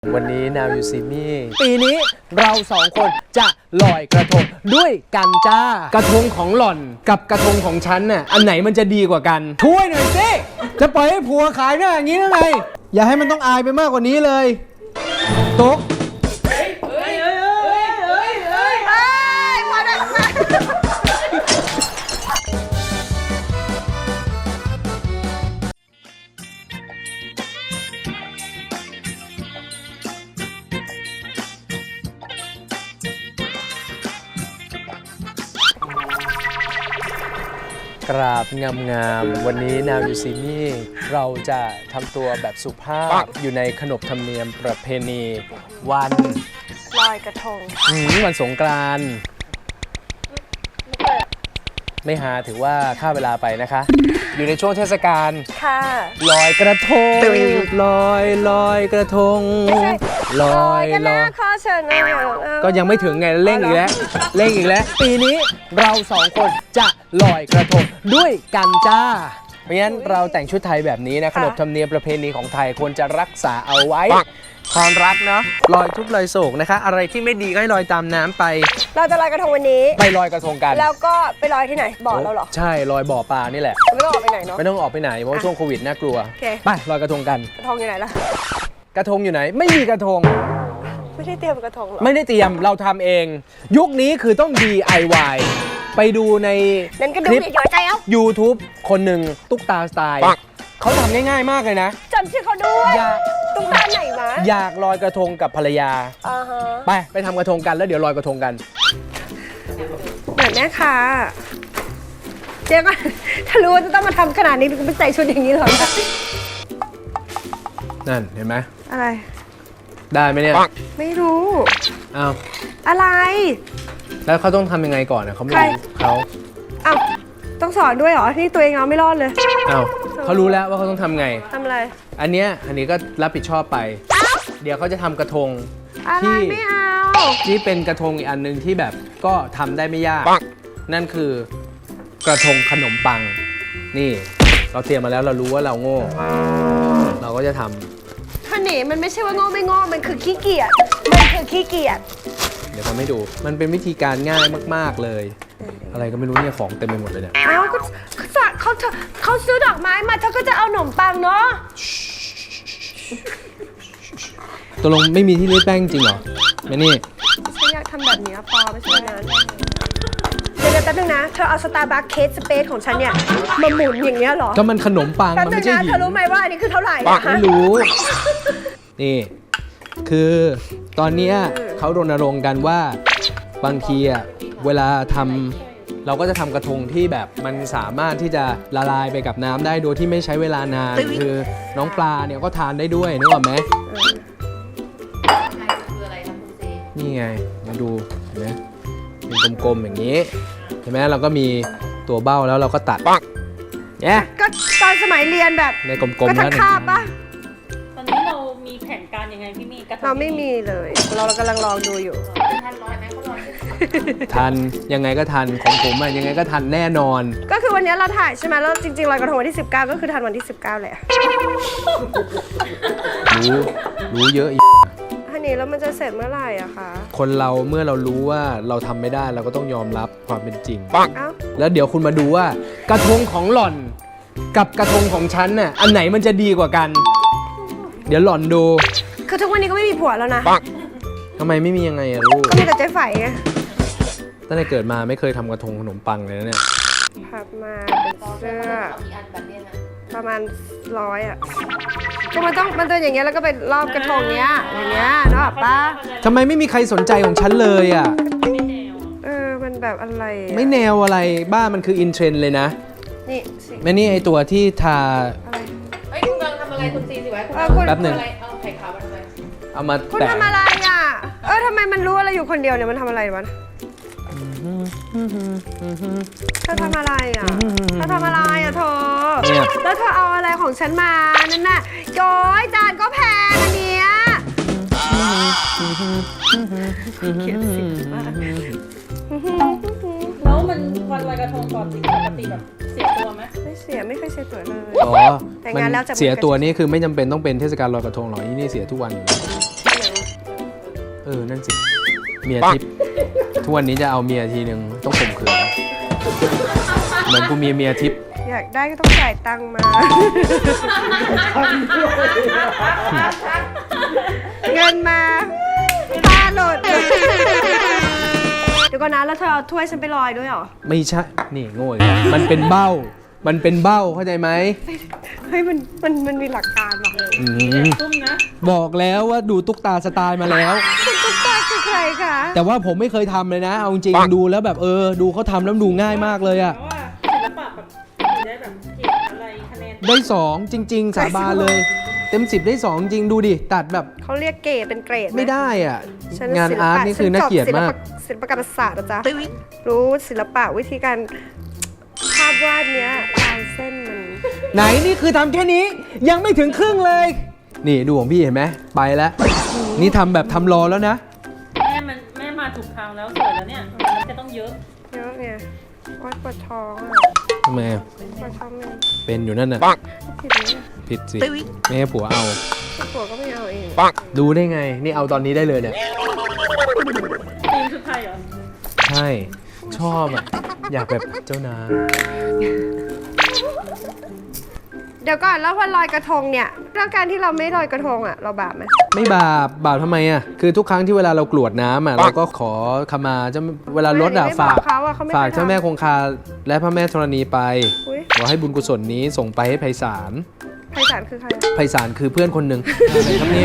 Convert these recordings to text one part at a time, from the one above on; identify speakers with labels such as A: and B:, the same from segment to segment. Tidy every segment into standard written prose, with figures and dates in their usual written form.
A: วันนี้ Now You See Me ปีนี้เราสองคนจะลอยกระทงด้วยกันจ้ากระทงของหล่อนกับกระทงของฉันน่ะอันไหนมันจะดีกว่ากันช่วยหน่อยสิจะปล่อยให้ผัวขายหน้าอย่างนี้ได้ไงอย่าให้มันต้องอายไปมากกว่านี้เลยตุ๊กกราบงามๆวันนี้ Now You See Me เราจะทำตัวแบบสุภาพอยู่ในขนบธรรมเนียมประเพณีวัน
B: ลอยกระทง
A: วันสงกรานต์ไม่หาถือว่าค่าเวลาไปนะคะ อยู่ในช่วงเทศกาล
B: ค่ะ
A: ลอยกระทงลอยกระทงลอย
B: ข้อเชิญ
A: ก็ยังไม่ถึงไงเร่งอีกแล้วปีนี้เราสองคนจะลอยกระทงด้วยกันจ้าเพราะฉะนั้นเราแต่งชุดไทยแบบนี้นะขนบธรรมเนียมประเพณีของไทยควรจะรักษาเอาไว้ความรักเนาะลอยทุกข์ลอยโศกนะคะอะไรที่ไม่ดีก็ให้ลอยตามน้ำไป
B: เราจะลอยกระทงวันนี้
A: ไปลอยกระทงกัน
B: แล้วก็ไปลอยที่ไหนบ่อเราเหรอ
A: ใช่ลอยบ่อปลานี่แหละ
B: ไม่ต้องออกไปไหนเนาะ
A: ไม่ต้องออกไปไหนเพราะช่วงโควิดน่ากลัวไปลอยกระทงกัน
B: กระทงอยู่ไหนล่ะ
A: กระทงอยู่ไหนไม่มีกระทง
B: ไม่ได้เตรียมกระทงหรอ
A: ไม่ได้เตรียมเราทำเองยุคนี้คือต้อง DIY ไปดูใน
B: คลิป
A: YouTube คนหนึ่งตุ๊กตาสไตล์เขาทำง่ายๆมากเลยนะ
B: จำชื่อเขาด้วยตุ๊กตาไหนวะ
A: อยากลอยกระทงกับภรรยาไปทำกระทงกันแล้วเดี๋ยวลอยกระทงกัน
B: เหมือนแม่ค่ะเจ๊ก็ถ้ารู้ว่าจะต้องมาทำขนาดนี้ไม่ใส่ชุดอย่างนี้หรอ
A: นั่นเห็นไหม
B: อะไร
A: ได้ไหมเนี่ย
B: ไม่รู้
A: อ้าว
B: อะไร
A: แล้วเขาต้องทำยังไงก่อนนะเขาไม่รู้เขา
B: อ้าวต้องสอนด้วยเหรอที่ตัวเองเอาไม่รอดเลย
A: อ้าวเขารู้แล้วว่าเขาต้องทำไง
B: ทำอะไร
A: อันนี้ก็รับผิดชอบไปเดี๋ยวเขาจะทำกระทง
B: ที่ไม่เอา
A: ที่เป็นกระทงอีกอันนึงที่แบบก็ทำได้ไม่ยากนั่นคือกระทงขนมปังนี่เราเตรียมมาแล้วเรารู้ว่าเราโง่เราก็จะทำ
B: ท่านี่มันไม่ใช่ว่าโง่ไม่โง่มันคือขี้เกียจ
A: เดี๋ยวทำให้ดูมันเป็นวิธีการง่ายมากๆเลยอะไรก็ไม่รู้เนี่ยของเต็มไปหมดเลยเนี่ย
B: อ้าวก็เขาซื้อดอกไม้มาเธอก็จะเอาขนมปังเนาะ
A: ตกลงไม่มีที่รีดแป้งจริงเหรอแม่นี่
B: ฉันอยากทำแบบนี้ปอไม่ใช่นั้นเดี๋ยวแป๊บนึงนะเธอเอาสตาร์บัคเคสสเปซของฉันเนี่ยมาหมุนอย่างเงี้ยเหรอ
A: ก็มันขนมปังมันไม่ใช่หิน
B: เธอรู้ไหมว่าอันนี้คือเท่าไหร่
A: ไม่รู้นี่คือตอนนี้เขารณรงค์กันว่าบางทีอะเวลาทำเราก็จะทำกระทงที่แบบมันสามารถที่จะละลายไปกับน้ำได้โดยที่ไม่ใช้เวลานานคือน้องปลาเนี่ยก็ทานได้ด้วยนึกออกไหมนี่ไงมาดูเห็นไหมเป็นกลมๆอย่างนี้เห็นไหมเราก็มีตัวเบ้าแล้วเราก็ตัดเนี่ย
B: ก็ตอนสมัยเรียนแบบ
A: ในกลมๆ
B: แล้วคาบปะ
C: ตอนนี้เรามีแผนการยังไงพี่มี่
B: เราไม่มีเลยเรากำลังลองดูอยู่
C: ทันลอยไหมเขาลอย
A: ทันยังไงก็ทันของผมอะยังไงก็ทันแน่นอน
B: ก็คือวันนี้เราถ่ายใช่ไหมแล้วจริงๆลอยกระทงวันที่19ก็คือทันวันที่19แหละ
A: รู้เยอะอีก
B: อันนี้แล้วมันจะเสร็จเมื่อไหร่อะคะ
A: คนเราเมื่อเรารู้ว่าเราทำไม่ได้เราก็ต้องยอมรับความเป็นจริงแล้วเดี๋ยวคุณมาดูว่ากระทงของหล่อนกับกระทงของฉันน่ะอันไหนมันจะดีกว่ากันเดี๋ยวหล่อนดู
B: คือทุกวันนี้ก็ไม่มีผัวแล้วนะ
A: ทำไมไม่มียังไงอะลูก
B: ก็มีแต่เจ๊ไฝไง
A: ตั้งแต่เกิดมาไม่เคยทำกระทงขนมปังเลยนะเนี่ย
B: พับมาเป็นเสื้อประมาณ100อะก็มันตัวอย่างเงี้ยแล้วก็ไปรอบกระทงเนี้ยอย่างเงี้ยนึกออกปะ
A: ทำไมไม่มีใครสนใจของฉันเลยอะ
B: มันแบบอะไร
A: ไม่แนวอะไรบ้ามันคืออินเทรนด์เลยนะ
B: นี่
A: แม่นี่ไอตัวที่ทา
C: เฮ้ยคุณกำลังทำอะไรคุณซีสิไว้
A: แป๊บหนึ่ง
C: เอาไข่ขาวมาทำไม
A: เอามา
B: คุณทำอะไรอ่ะทำไมมันรู้อะไรอยู่คนเดียวเนี่ยมันทำอะไรวะเธอทำอะไรอ่ะเธอแล้วเธอเอาอะไรของฉันมานั่นน่ะโย้ยจานก็แพงอันเนี้ยเขียนสิ
C: แล้วมันวันลอยกระทงปกติแบบเสียตัวไหม
B: ไม่เสียไม่เคยเสียตัวเลย
A: แต่งานแล้วจะเสียตัวนี่คือไม่จำเป็นต้องเป็นเทศกาลลอยกระทงหรอกนี่เสียทุกวันนั่นสิเมียทิพย์ทุกวันนี้จะเอาเมียทีนึงต้องข่มขืนเหมือนกูมีเมียทิพย์
B: อยากได้ก็ต้องจ่ายตังค์มา เงินมาค่าหลุดเดี๋ยวก่อนนะแล้วเธอเอาถ้วยฉันไปลอยด้วยเหรอ
A: ไม่ใช่นี่โง่อีกแล้วมันเป็นเบ้าเข้าใจไหม
B: เฮ้ยมันมีหลักการว่ะ
C: ตุ้มนะ
A: บอกแล้วว่าดูตุ๊กตาสไตล์มาแล้ว
B: คุณตุ๊กตาคือใครคะ
A: แต่ว่าผมไม่เคยทำเลยนะเอาจริงๆดูแล้วแบบดูเขาทำแล้วดูง่ายมากเลยอะ
C: เพราะว่าศิลปะแบบได้แบบเกรดอะไรคะแนน
A: ได้2จริง ๆ สาบานเลย เต็ม10ได้2จริงดูดิตัดแบบ
B: เขาเรียกเกรดเป็นเกรดห
A: ไม่ได้อ่ะ
B: ฉั
A: งานอาร์ตนี่คือน่าเกลียดมาก
B: ศิลปกรรมศาสตร์นะจ๊ะรู้ศิลปะวิธีการภาพวาดเนี้ยลายเส้นมัน
A: ไหนนี่คือทำแค่นี้ยังไม่ถึงครึ่งเลย นี่ดูของพี่เห็นไหมไปแล้ว นี่ทำแบบทำรอแล้วนะ
C: แม่มาถูกทางแล้วสวยแล้วเนี่ยมันจะต้องเยอะ
B: เยอะไงวาดปวดท้องอ่ะ
A: ทำไมอะ
B: ปวดท้องมัน
A: เป็นอยู่นั่นน่ะ
B: ผิดไหมเนี่ย
A: ผิดสิไม่ให้ผัวเอา
B: ที่ผัวก็ไม่เอาเอง
A: ดูได้ไงนี่เอาตอนนี้ได้เลยเนี่ย
C: ธีมชุดไทยเหรอ
A: ใช่ชอบอ่ะอยากแบบเจ้านาย
B: เดี๋ยวก่อนแล้วพอลอยกระทงเนี่ยแล้วการที่เราไม่ลอยกระทงอ่ะเราบาปไหม
A: ไม่บาปทำไมอ่ะคือทุกครั้งที่เวลาเรากรวดน้ำอ่ะเราก็ขอขมาเจ้าเวลารถอ่ะ
B: ไม่บ
A: ฝาก
B: เขาอ่ะเขาไม่
A: ฝาก
B: คย
A: เจ้าแม่
B: ทำ
A: คงคาและพระแม่ธรณีไป
B: อุ๊ย
A: ขอให้บุญกุศลนี้ส่งไปให้ไพศาล
B: ไพศาลคือใครอะ
A: ไพศาลคือเพื่อนคนหนึ่งอะไรครับเนี่ย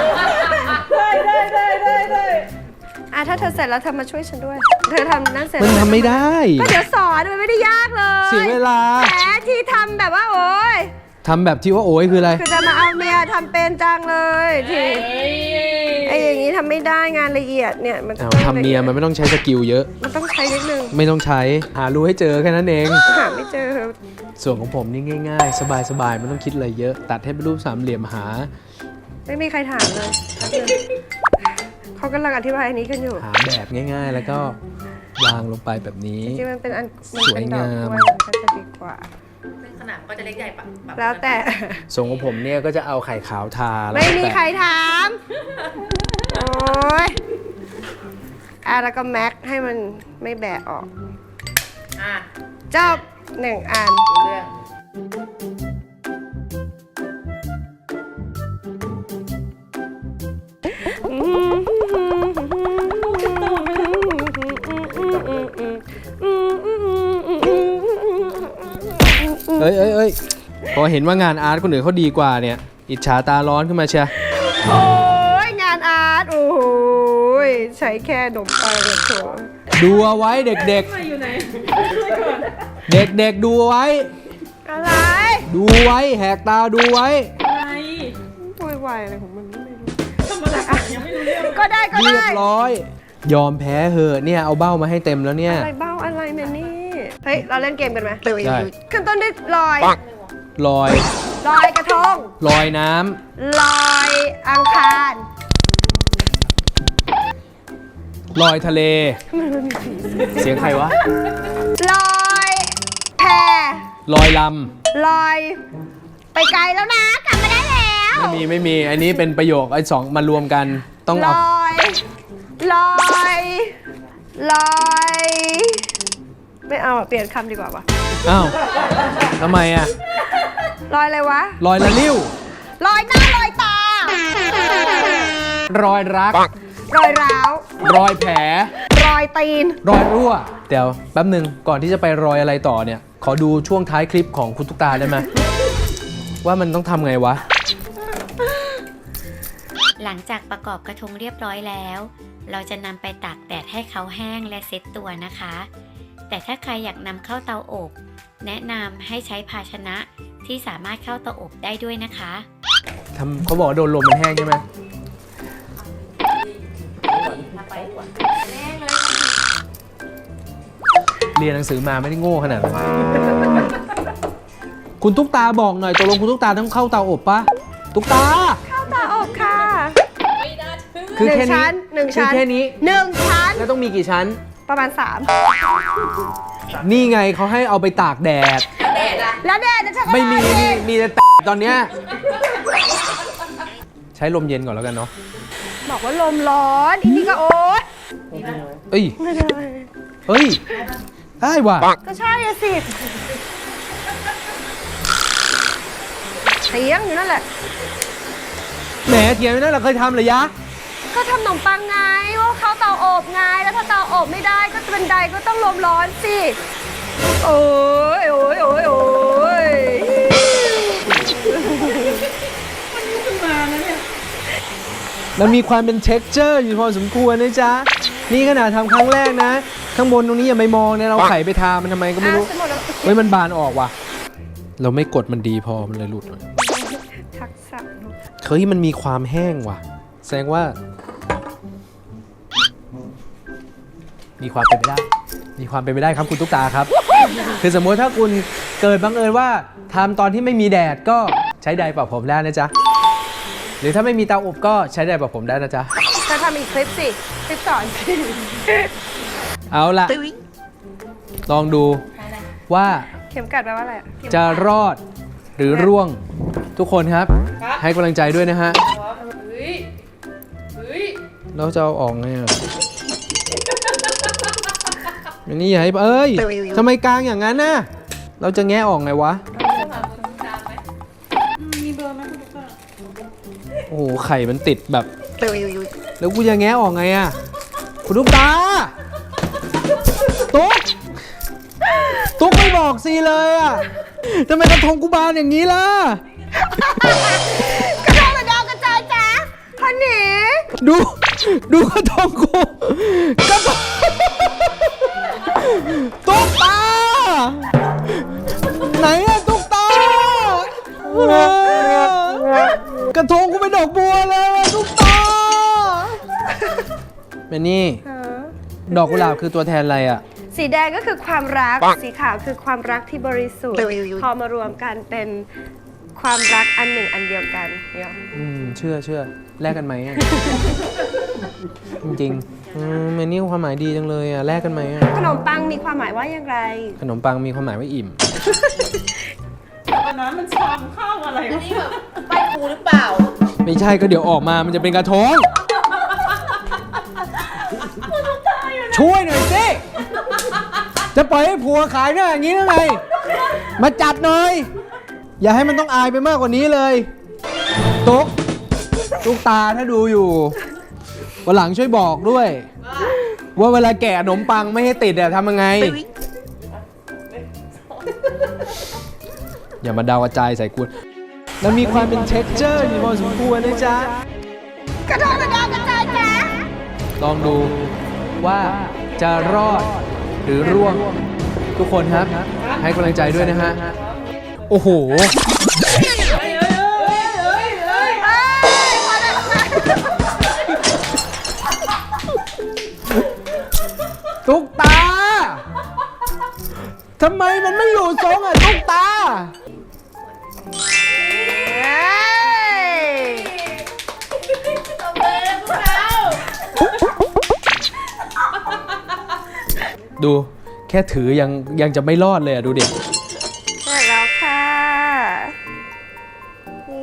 C: ได้
B: ถ้าเธอเสร็จแล้วเธอมาช่วยฉันด้วย เธอทำนั่นเสร็จ
A: มันทำไม่ได้
B: ก็เดี๋ยวสอนมันไม่ได้ยากเลย
A: เสียเวลา
B: แหมที่ทำแบบว่าโอ๊ย
A: ทำแบบที่ว่าโอ้ยคืออะไร
B: คือจะมาเอาเมียทำเป็นจังเลยที่ไอ้อย่างนี้ทำไม่ได้งานละเอียดเนี่ยมัน
A: เอา
B: ต้อง
A: ทำเมียมันไม่ต้องใช้สกิลเยอะ
B: มันต้องใช้นิดนึง
A: ไม่ต้องใช้หารู้ให้เจอแค่นั้นเอง
B: หาไม่เจอ
A: ส่วนของผมนี่ง่ายๆ สบายๆไม่ต้องคิดอะไรเยอะ ตัดให้เป็นรูปสามเหลี่ยมหา
B: ไม่มีใครถามเลยเขากำลังอธิบายอันนี้กันอยู่
A: หาแบบง่ายๆ แล้วก็วางลงไปแบบนี้
B: จริงๆมันเป็นอันมัน
A: สว
B: เป็
A: ย
B: นดอก
A: งาม
B: กล้วยมันก็จะดีกว่า
D: ซึ่งขนาดมันก็จะเล็กใหญ่ปะ
B: แล้วแต่
A: ส่วนของผมเนี่ยก็จะเอาไข่ขาวทาแล้ว
B: ไม่
A: ก็
B: มี
A: แปะ
B: ใครถามโอ้ยแล้วก็แม็กให้มันไม่แบะออก
D: อ่ะ
B: จบ1 อัน
D: เรื่อง
A: เอ้ยพอเห็นว่างานอาร์ตคนอื่นเขาดีกว่าเนี่ย อิจฉาตาร้อนขึ้นมาเชีย
B: โอ้ยงานอาร์ตโอ้โหยใช้แค่นมปังกับถั่ว
A: ดูเอาไว้เด็ก
C: มาอยู่ไหนช่วยก่อน
A: ๆ เด็กๆดูเอาไว้
B: อะไร
A: ดูไว้แหกตาดูไว้
C: อะไร
B: โวยวายอะไรของมันไม่รู้
C: ทำอะไรยังไม่รู้เรื่อง
B: ก็ได้ก็
A: เรีย
B: ได้
A: บร้อย ยอมแพ้เหอะเนี่ยเอาเบ้ามาให้เต็มแล้วเนี่ย
B: อะไรเบ้าอะไรเนี่ยนี่เฮ้ยเราเล่นเกมกันไหม
A: ได้
B: ขึ้นต้นด้วยลอย
A: ลอย
B: ลอยกระทง
A: ลอยน้
B: ลอยอังคาร
A: ำลอยทะเล เสียงใครวะ
B: ลอยแพ
A: ลอยล
B: ลอย ไปไกลแล้วนะกลับมาได้แล้ว
A: ำไม่มีอันนี้เป็นประโยคไอ้สองมารวมกันต้อง
B: ล
A: เอา
B: อยลอยลอยไม่เอาอะเปลี่ยนคำดีกว่าปะ
A: อ้าวทำไมอ่ะ
B: ลอยอะไรวะ
A: ลอยละลิ้ว
B: ลอยหน้าลอยตาร
A: อยรัก
B: รอยร้าว
A: รอยแผล
B: รอยตีน
A: รอยรั่ว เดี๋ยวแป๊บหนึ่งก่อนที่จะไปรอยอะไรต่อเนี่ย ขอดูช่วงท้ายคลิปของคุณตุ๊กตาได้ไหม ว่ามันต้องทำไงวะ
E: หลังจากประกอบกระทงเรียบร้อยแล้ว เราจะนำไปตากแดดให้เขาแห้งและเซ็ตตัวนะคะ แต่ถ้าใครอยากนำเข้าเตาอบ แนะนำให้ใช้ภาชนะที่สามารถเข้าเตาอบได้ด้วยนะคะ
A: เขาบอกว่าโดนลมมันแห้งใช่ไหมเรียนหนังสือมาไม่ได้โง่ขนาดนั้น คุณตุ๊กตาบอกหน่อยตกลงคุณตุ๊กตาต้องเข้าเตาอบปะตุ๊กตา
B: เข้าตาอบค่ะ
A: คือแค่นี้
B: หนึ่ง
A: คือ
B: ชั้น
A: แค่นี้
B: หนึ่งชั้น
A: แล้วต้องมีกี่ชั้น
B: ประมาณ 3
A: นี่ไงเขาให้เอาไปตากแดด
B: แล้วแดดจะใช้
A: ไม่มี
B: เวลา
A: มีแต่ตอนเนี้ยใช้ลมเย็นก่อนแล้วกันเนาะ
B: บอกว่าลมร้อนอีนี่ก็โอ๊ย
A: เอ้ย
B: ไม่ได้
A: เฮ้ย ได้ว่ะ
B: ก็ใช่อะสิเถียงอยู่นั่นแหละ
A: แหมเถียงอยู่นั่นแหละเคยทำเหรอยะ
B: ก็ทำขนมปังไงว่าเขาเตาอบไงแล้วถ้าเตาอบไม่ได้ก็บันไดก็ต้องลมร้อนสิโอ้ยโอ้ยโอ้ยโอ้ย
A: มันมีความเป็น texture อยู่พอสมควรนะจ๊ะ นี่ขนาดทำครั้งแรกนะ ข้างบนตรงนี้อย่าไปมองเนี่ยเราไขไปทามันทำไมก็ไม่รู้
B: อ่ะสมมุติว่า
A: เฮ้ยมันบานออกว่ะ เราไม่กดมันดีพอมันเลยหลุด
B: ทักษะ
A: เฮ้ยมันมีความแห้งว่ะ แสดงว่า มีความเป็นไปได้ มีความเป็นไปได้ครับคุณตุ๊กตาครับ คือสมมติถ้าคุณเกิดบังเอิญว่าทำตอนที่ไม่มีแดดก็ใช้ไดร์เป่าผมได้นะจ๊ะ หรือถ้าไม่มีเตาอบก็ใช้ไดร์เป่าผมได้นะจ๊ะ
B: จะทำอีกคลิปสิ คลิปสอนสิ
A: เอาล่ะ ลองดูว่า
B: เข็มกัดแปลว่าอะไรอะ
A: จะรอดหรือร่วงทุกคนครับ ให้กำลังใจด้วยนะฮะ
C: เฮ้ย เฮ้ย
A: เราจะเอาออกไงอ่ะอันนี้อย่าให้เอ้ยทำไมกลางอย่างนั้นน่ะเราจะแงะออกไงวะ
C: มีเบอร์ไหมคุณตุ๊กตา
A: โอ้โหไข่มันติดแบบแล้วกูจะแงะออกไงอ่ะคุณลูกตาตุ๊กไม่บอกซีเลยอ่ะทำไมกระทงกูบานอย่างนี้ล่ะ
B: กระโดดกระดองกระจายจ้าพันหนี
A: ดูกระทงกูกระทงตุ๊กตาไหนอะตุ๊กตากระทงกูเป็นดอกบัวเลยอะตุ๊กตาแม่นี่ดอกกุหลาบคือตัวแทนอะไรอะ
B: สีแดงก็คือความรัก สีขาวคือความรักที่บริสุทธิ์ พอมารวมกันเป็นความรักอันหนึ่งอันเดียวกันเนี่ย
A: เชื่อแลกกันไหมอะ จริงๆแม่นี่ความหมายดีจังเลยอะแลกกันไหมอะ
B: ขนมปังมีความหมายว่าอย่างไร
A: ขนมปังมีความหมายว่าอิ่ม
C: ตอนนั้นมันชามข้าวอะไร
D: อันนี้แบบใบครูหรือเปล่า
A: ไม่ใช่ก็เดี๋ยวออกมามันจะเป็นกระทง ช่วยหน่อยสิ จะปล่อยให้ผัวขายหน้าอย่างนี้ได้ไง มาจัดหน่อย อย่าให้มันต้องอายไปมากกว่านี้เลย ตุ๊กตาถ้าดูอยู่ วันหลังช่วยบอกด้วย ว่าเวลาแกะขนมปังไม่ให้ติดอะทำยังไง อย่ามาดาวกระจายใส่กูแล้วมีความเป็น texture อยู่พอสมควรนะจ๊ะ
B: กระโดดกระดองกระจายจ้า
A: ลองดูว่าจะรอดหรือร่วงทุกคนครับ ให้กำลังใจด้วยนะฮะ โอ้โห ตุ๊กตาทำไมมันไม่อยู่ทรงอ่ะ ตุ๊กตา ดูแค่ถือยังจะไม่รอดเลยอ่ะ ดูดิ
B: เสร็จแล้วค่ะ นี่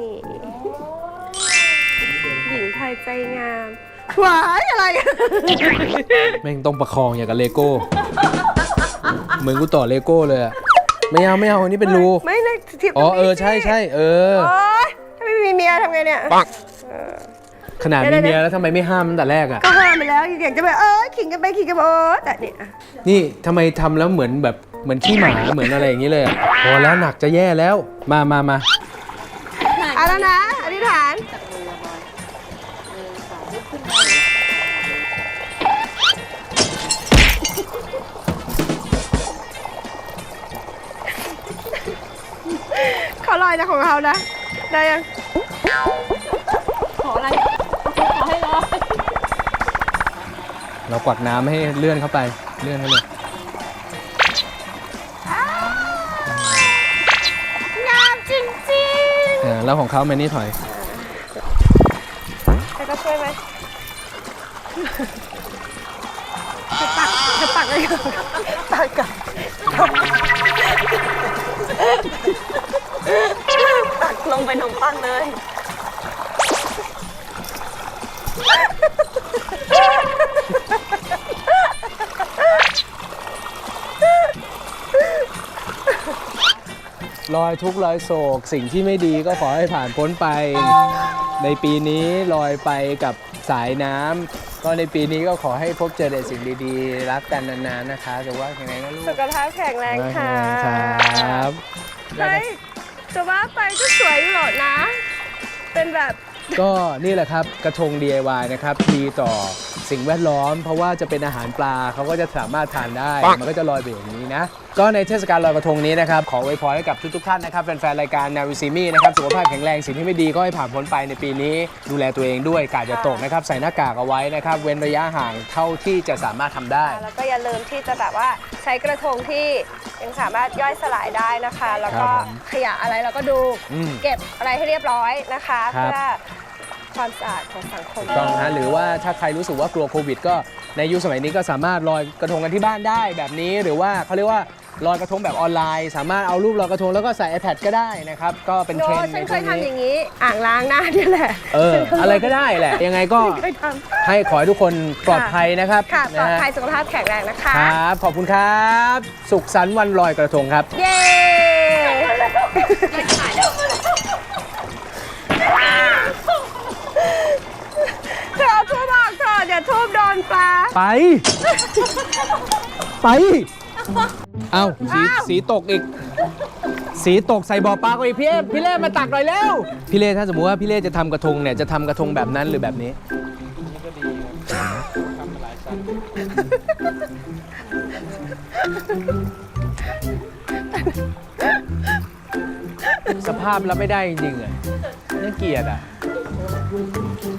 B: หญิงไทยใจงามหวายอะไร
A: แม่งต้องประคองอย่างกับเลโก้ เหมือนกูต่อเลโก้เลยอ่ะ ไม่เอาอันนี้เป็นรู
B: ไม่เลยทิป
A: อ๋อใช่โอ้
B: ยถ้าไม่มีเมียทำไงเนี่ย
A: ขนาดมีเมียแล้วทำไมไม่ห้ามตั้งแต่แรกอ่ะ
B: ก็ห้ามไปแล้วอยากจะไปขิงกันไปขิงกันมาแต่เนี่ย
A: นี่ทำไมทำแล้วเหมือนขี้หมาเหมือนอะไรอย่างนี้เลยอ่ะพอแล้วหนักจะแย่แล้ว มา
B: เอาแล้วนะอธิษฐานเขาลอยนะของเขานะ ได้ยัง
C: ขออะไร ขอให้รอ
A: เรากวักน้ำให้เลื่อนเข้าไป เลื่อนให้เลย
B: งามจริง
A: แล้วของเขาแมนนี่ถอย
B: ๆแต่ก็ช่วยไหมจะปักเลยปักกับปักลงไปนมปังเลย
A: ลอยทุกข์ลอยโศกสิ่งที่ไม่ดีก็ขอให้ผ่านพ้นไป ในปีนี้ลอยไปกับสายน้ำก็ในปีนี้ก็ขอให้พบเจอแต่สิ่งดีๆ รักกันนานๆนะคะสุขภาพแข็งแรงนะลูก
B: สุขภาพแข็งแรงค่ะ
A: ครับ
B: เฮ้ยจะว่าไปก็สวยอยู่หรอกนะ เป็นแบบ
A: ก็นี่แหละครับกระทง DIY นะครับดีต่อสิ่งแวดล้อม เพราะว่าจะเป็นอาหารปลาเขาก็จะสามารถทานได้ มันก็จะลอยไปอย่างนี้นะ ก็ในเทศกาลลอยกระทงนี้นะครับขออวยพรให้กับทุกๆท่านนะครับแฟนๆรายการนาวิซีมี่นะครับสุขภาพแข็งแรงสิ่งที่ไม่ดีก็ให้ผ่านพ้นไปในปีนี้ดูแลตัวเองด้วยกาดอย่าตกนะครับใส่หน้ากากเอาไว้นะครับเว้นระยะห่างเท่าที่จะสามารถทำได้
B: แล้วก็อย่าลืมที่จะแบบว่าใช้กระทงที่ยังสามารถย่อยสลายได้นะคะ แล้วก็
A: ครับผม
B: ขยะอะไรเราก็ดู เก็บอะไรให้เรียบร้อยนะคะ
A: ครับ
B: เพื่อความสะอาดของสังคม
A: ถูกต้องนะหรือว่าถ้าใครรู้สึกว่ากลัวโควิดก็ในยุคสมัยนี้ก็สามารถลอยกระทงกันที่บ้านได้แบบนี้ หรือว่าเขาเรียกว่าลอยกระทงแบบออนไลน์ สามารถเอารูปลอยกระทงแล้วก็ใส่ iPad ก็ได้นะครับก็เป็น
B: โน
A: เทรนด์
B: ฉั
A: ใน
B: นเค
A: ช่วย ง
B: ทำอ
A: นี้
B: ย่างนี้ อ่างล้างหน้าเนี่ยแหละ
A: อะไรก็ได้แหละยังไงก็
B: เคยท
A: ให้ขอให้ทุกคนปลอดภัยนะครับ
B: ำค่ะปลอด
A: นะฮะ
B: ภัยสุขภาพแข็งแรงนะคะ
A: ครับขอบคุณครับ สุขสันต์วันลอยกระทงครับ
B: เย้เธอเอาทูบออกเถอะเดี๋ยวทูบโดนปลา
A: ไป ไป เอาสีตกอีก สีตกใส่บ่อปลาก็อีกพี่เล่มาตักหน่อยเร็วพี่เล่ถ้าสมมติว่าพี่เล่จะทำกระทงเนี่ยจะทำกระทงแบบนั้นหรือแบบนี้นี่ก็ดีทำหลายชั้นสภาพรับไม่ได้จริงๆอ่ะน่าเกลียดอ่ะ